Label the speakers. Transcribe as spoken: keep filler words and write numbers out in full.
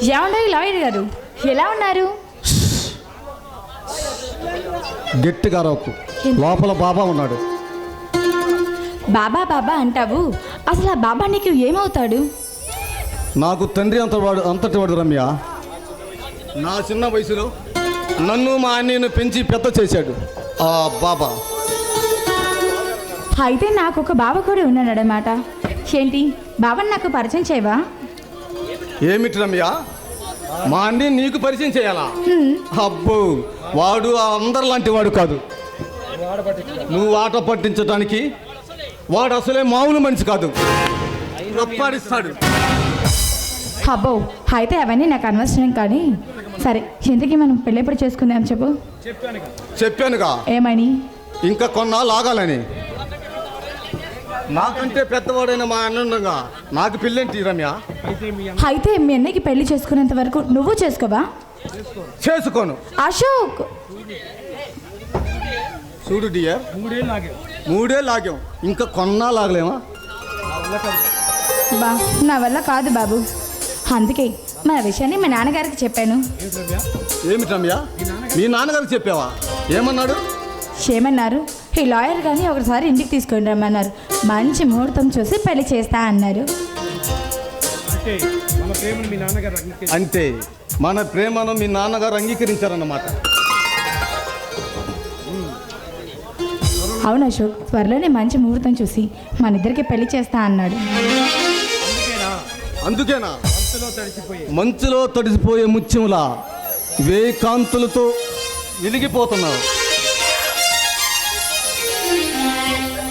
Speaker 1: ఏమన్నారు లాయర్ గారు, ఎలా ఉన్నారు?
Speaker 2: గట్టిగా రాకు, లోపల బాబా ఉన్నాడు.
Speaker 1: బాబా బాబా అంటావు, అసలు ఆ బాబా నీకు ఏమవుతాడు?
Speaker 2: నాకు తండ్రి అంత వాడు అంతటి వాడు రమ్య. నా చిన్న వయసులో నన్ను మా అన్నయ్యను పెంచి పెద్ద చేశాడు ఆ బాబా.
Speaker 1: అయితే నాకు ఒక బాబా కూడా ఉన్నాడన్నమాట. ఏంటి బాబాని నాకు పరిచయం చేయవా?
Speaker 2: ఏమిటి రమ్య, మా అన్ని నీకు పరిచయం చేయాలా? అబ్బో, వాడు అందరు లాంటి వాడు కాదు. నువ్వు ఆట పట్టించడానికి వాడు అసలే మామూలు మనిషి కాదు. రప్పాడిస్తాడు.
Speaker 1: అబ్బో, అయితే అవన్నీ నాకు అనవసరం. కానీ సరే, ఇంతకీ మనం పెళ్ళెప్పుడు చేసుకుందాం చెప్పు.
Speaker 2: చెప్పానుగా
Speaker 1: ఏమని?
Speaker 2: ఇంకా కొన్నాళ్ళు ఆగాలని. నాకంటే పెద్దవాడైన మా అన్నంగా నాకు పెళ్ళేంటి రమ్య?
Speaker 1: అయితే మీ అన్నయ్యకి పెళ్లి చేసుకునేంత వరకు నువ్వు చేసుకోవా?
Speaker 2: చేసుకోను.
Speaker 1: అశోక్,
Speaker 2: చూడు డియర్, మూడే లాగాం, ఇంకా కొన్నాళ్ళు ఆగలేమా?
Speaker 1: బా నా వల్ల కాదు బాబు. అందుకే మన విషయాన్ని మా నాన్నగారికి చెప్పాను.
Speaker 2: ఏమిటి రమ్య, మీ నాన్నగారికి చెప్పావా? ఏమన్నాడు?
Speaker 1: ఏమన్నారు? ఈ లాయర్ కానీ ఒకసారి ఇంటికి తీసుకొని రమ్మన్నారు. మంచి ముహూర్తం చూసి పెళ్లి చేస్తా అన్నారు.
Speaker 2: అంటే మన ప్రేమను మీ నాన్నగారు అంగీకరించారన్నమాట.
Speaker 1: అవును అశోక్, త్వరలోనే మంచి ముహూర్తం చూసి మన ఇద్దరికి పెళ్లి చేస్తా అన్నాడు.
Speaker 2: అందుకేనా మంచులో తడిసిపోయే ముత్యములా వేయి కాంతులతో వెలిగిపోతున్నావు.